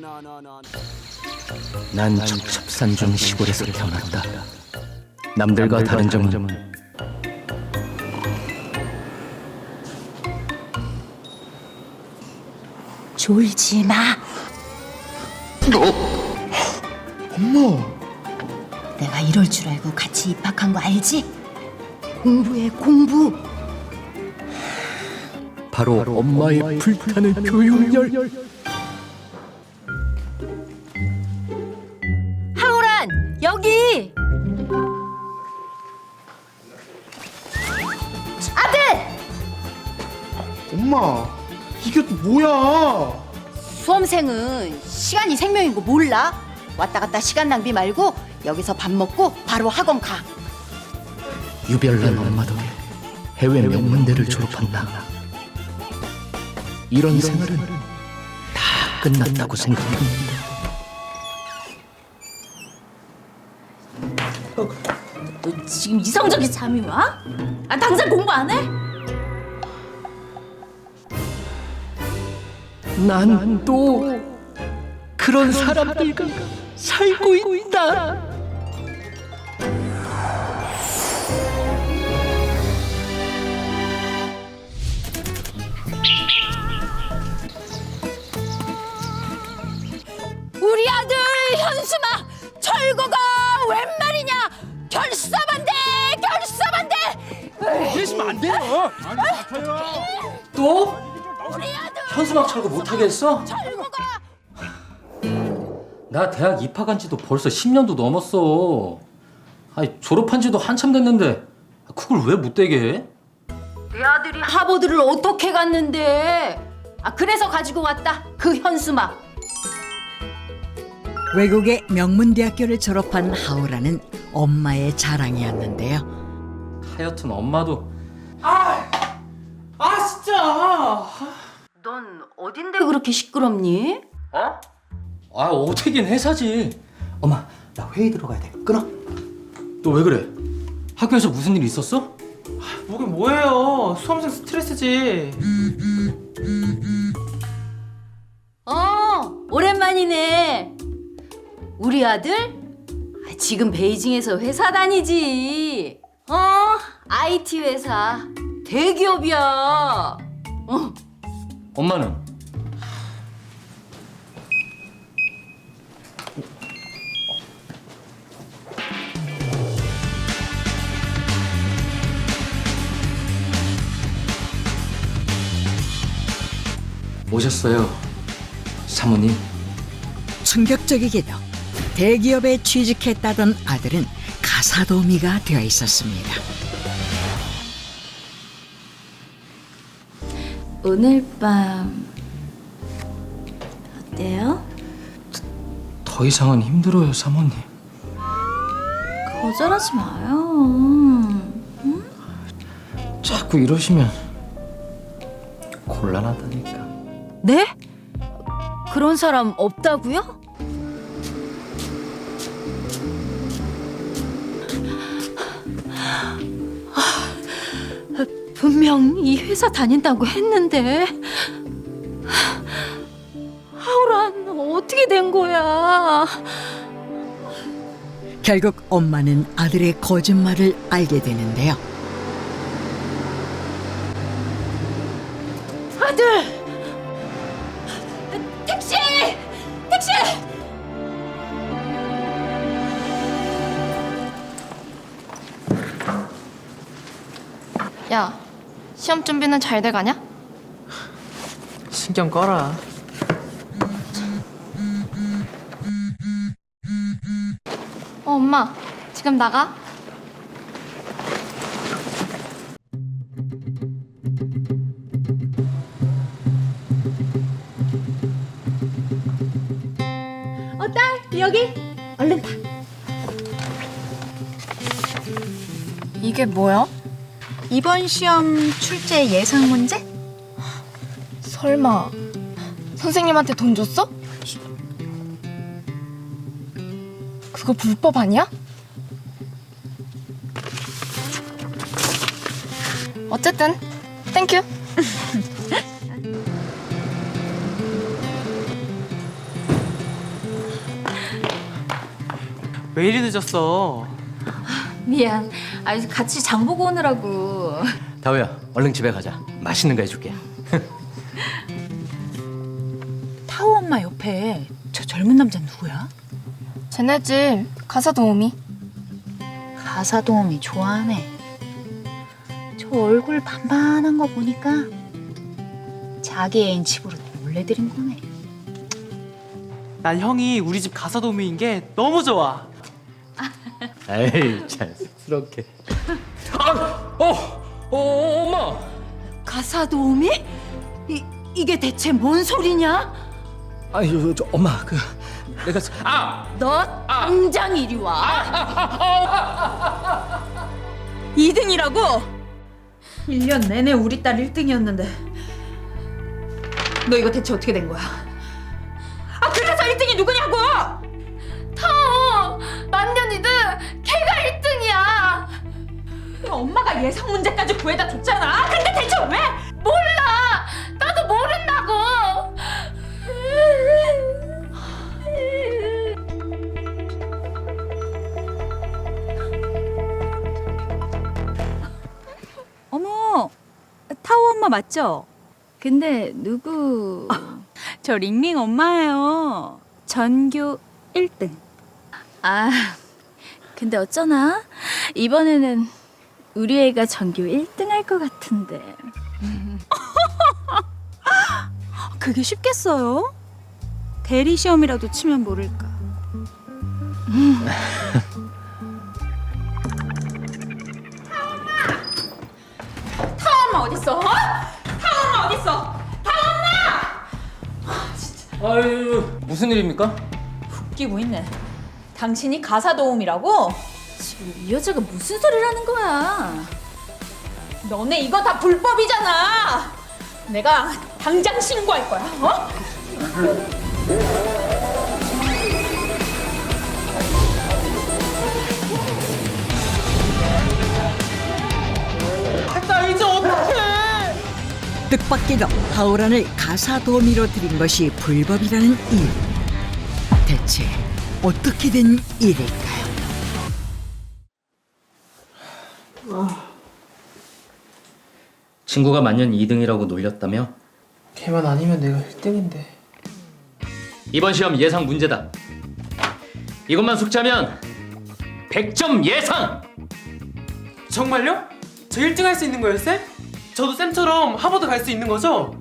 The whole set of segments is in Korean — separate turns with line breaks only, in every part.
난 첩첩산중 시골에서 태어났다. 남들과 다른 점은
졸지 마.
엄마!
내가 이럴 줄 알고 같이 입학한 거 알지? 공부해, 공부.
바로 엄마의 불타는 교육열.
하오란, 여기. 아들!
엄마! 이게 또 뭐야?
수험생은 시간이 생명인 거 몰라? 왔다 갔다 시간 낭비 말고 여기서 밥 먹고 바로 학원 가.
유별난 엄마 덕에 해외 명문대를 졸업한 나. 이런 생활은 다 끝났다고 생각했는데
너 지금 이성적인 잠이 와? 아 당장 공부 안 해?
난 또 그런 사람들과 살고 있다.
우리 아들 현수막 철거가 웬 말이냐? 결사반대 결사반대.
이러시면 안 돼요!
또?
우리 아들
현수막 철거 못하게 했어?
철거가
나 대학 입학한 지도 벌써 10년도 넘었어. 아니 졸업한 지도 한참 됐는데 그걸 왜 못 되게 해?
내 아들이 하버드를 어떻게 갔는데? 아 그래서 가지고 왔다 그 현수막.
외국의 명문대학교를 졸업한 하오라는 엄마의 자랑이었는데요.
하여튼 엄마도
진짜!
넌 어딘데 그렇게 시끄럽니?
어? 아 어떻게긴 회사지. 엄마 나 회의 들어가야 돼. 끊어. 너 왜 그래? 학교에서 무슨 일 있었어?
뭐긴 뭐예요. 수험생 스트레스지.
오랜만이네. 우리 아들? 아, 지금 베이징에서 회사 다니지. IT 회사. 대기업이야.
엄마는? 오셨어요, 사모님.
충격적이게도 대기업에 취직했다던 아들은 가사도우미가 되어 있었습니다.
오늘 밤 어때요?
더 이상은 힘들어요, 사모님.
거절하지 마요.
자꾸 이러시면 곤란하다니까.
네? 그런 사람 없다고요? 분명 이 회사 다닌다고 했는데. 하우란 어떻게 된 거야?
결국 엄마는 아들의 거짓말을 알게 되는데요.
아들! 택시! 택시!
야, 시험 준비는 잘 돼가냐?
신경 꺼라.
엄마, 지금 나가?
딸 여기 얼른 타.
이게 뭐야?
이번 시험 출제 예상 문제?
설마 선생님한테 돈 줬어? 그거 불법 아니야? 어쨌든 땡큐.
왜 이리 늦었어?
미안. 아, 같이 장 보고 오느라고.
다우야, 얼른 집에 가자. 맛있는 거 해줄게.
타오 엄마 옆에 저 젊은 남자 누구야?
쟤네 집 가사 도우미.
가사 도우미 좋아하네. 저 얼굴 반반한 거 보니까 자기 애인 집으로 몰래 들인 거네.
난 형이 우리 집 가사 도우미인 게 너무 좋아.
에이, 잘 쑥스럽게. 엄마.
가사 도우미? 이게 대체 뭔 소리냐?
아니, 엄마, 내가
너 당장 이리 와.
2등이라고? 1년 내내 우리 딸 1등이었는데 너 이거 대체 어떻게 된 거야? 아 그래서 1등이 누구냐고!
타오! 만년이든 걔가 1등이야.
엄마가 예상 문제까지 구해다 줬잖아. 근데 대체 왜?
몰라. 나도 모른다고.
어머, 타오 엄마 맞죠?
근데 누구?
저 링링 엄마예요. 전교 1등.
아, 근데 어쩌나? 이번에는 우리 애가 전교 1등 할 것 같은데.
그게 쉽겠어요? 대리 시험이라도 치면 모를까. 타오 엄마 어딨어? 어? 타오 엄마 어딨어?
아유, 무슨 일입니까?
웃기고 있네. 당신이 가사 도우미라고?
지금 이 여자가 무슨 소리를 하는 거야?
너네 이거 다 불법이잖아. 내가 당장 신고할 거야. 어?
나 이제 어떡해?
뜻밖에도 하오란을 가사 도우미로 들인 것이 불법이라는 이유. 대체 어떻게 된 일일까요?
친구가 만년 2등이라고 놀렸다며?
걔만 아니면 내가 1등인데.
이번 시험 예상 문제다. 이것만 숙지하면 100점 예상!
정말요? 저 1등 할 수 있는 거예요, 쌤? 저도 쌤처럼 하버드 갈 수 있는 거죠?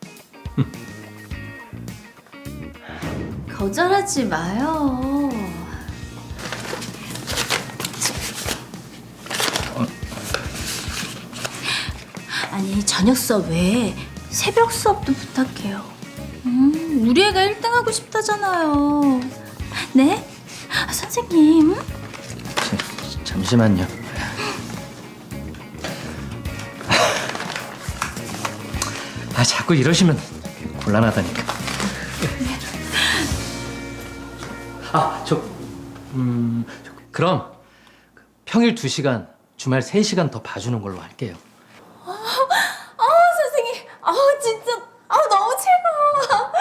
거절하지 마요. 아니, 저녁 수업 외에 새벽 수업도 부탁해요. 우리 애가 1등 하고 싶다잖아요. 네? 아, 선생님.
잠시만요. 자꾸 이러시면 곤란하다니까. 그럼 평일 2시간, 주말 3시간 더 봐주는 걸로 할게요.
선생님. 진짜. 너무 최고.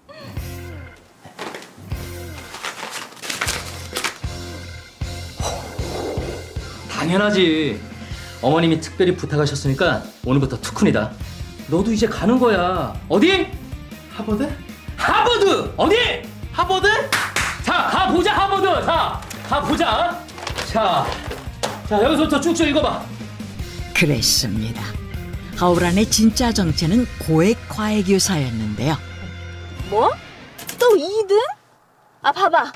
당연하지. 어머님이 특별히 부탁하셨으니까 오늘부터 투쿤이다. 너도 이제 가는 거야. 어디?
하버드?
하버드! 어디?
하버드?
자, 가보자, 하버드! 자, 가보자. 자, 여기서부터 쭉쭉 읽어봐.
그랬습니다. 하오란의 진짜 정체는 고액 과외교사였는데요.
뭐? 또 2등? 아 봐봐.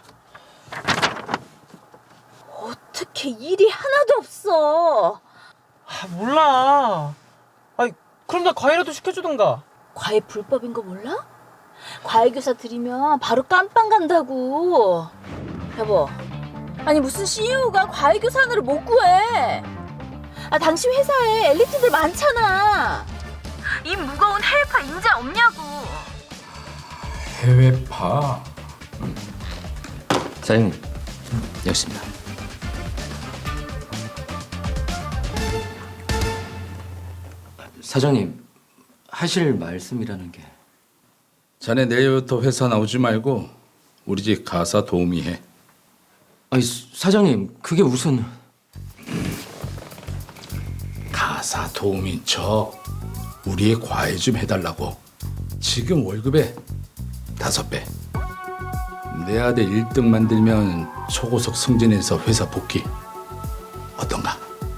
어떻게 일이 하나도 없어.
몰라. 아니, 그럼 나 과외라도 시켜주던가.
과외 불법인 거 몰라? 과외교사 들이면 바로 깜빵 간다고. 여보, 아니 무슨 CEO가 과외교사 하나를 못 구해. 당신 회사에 엘리트들 많잖아. 이 무거운 해외파 인재 없냐고.
해외파.
사장님, 여기 있습니다. 사장님, 하실 말씀이라는 게...
자네 내일부터 회사 나오지 말고 우리 집 가사 도우미 해.
아니 사장님 그게 무슨...
가사 도우미인 척 우리의 과외 좀 해달라고. 지금 월급의 5배. 내 아들 1등 만들면 초고속 승진해서 회사 복귀. 어떤가?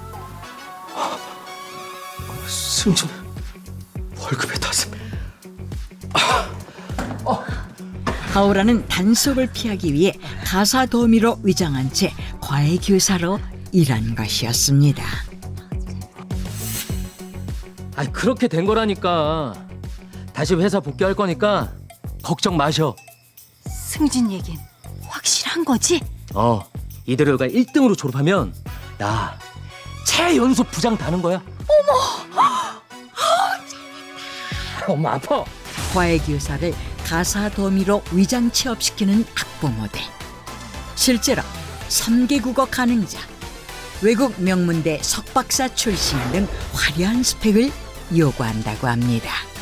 승진 월급에 5배.
하오라는 단속을 피하기 위해 가사 도우미로 위장한 채 과외 교사로 일한 것이었습니다.
아니 그렇게 된 거라니까. 다시 회사 복귀할 거니까 걱정 마셔.
승진 얘긴 확실한 거지?
이대로가 1등으로 졸업하면 나 최연소 부장 다는 거야. 어머 아파.
과외 교사를 가사 도우미로 위장 취업시키는 학부모들. 실제로 3개 국어 가능자, 외국 명문대 석박사 출신 등 화려한 스펙을 요구한다고 합니다.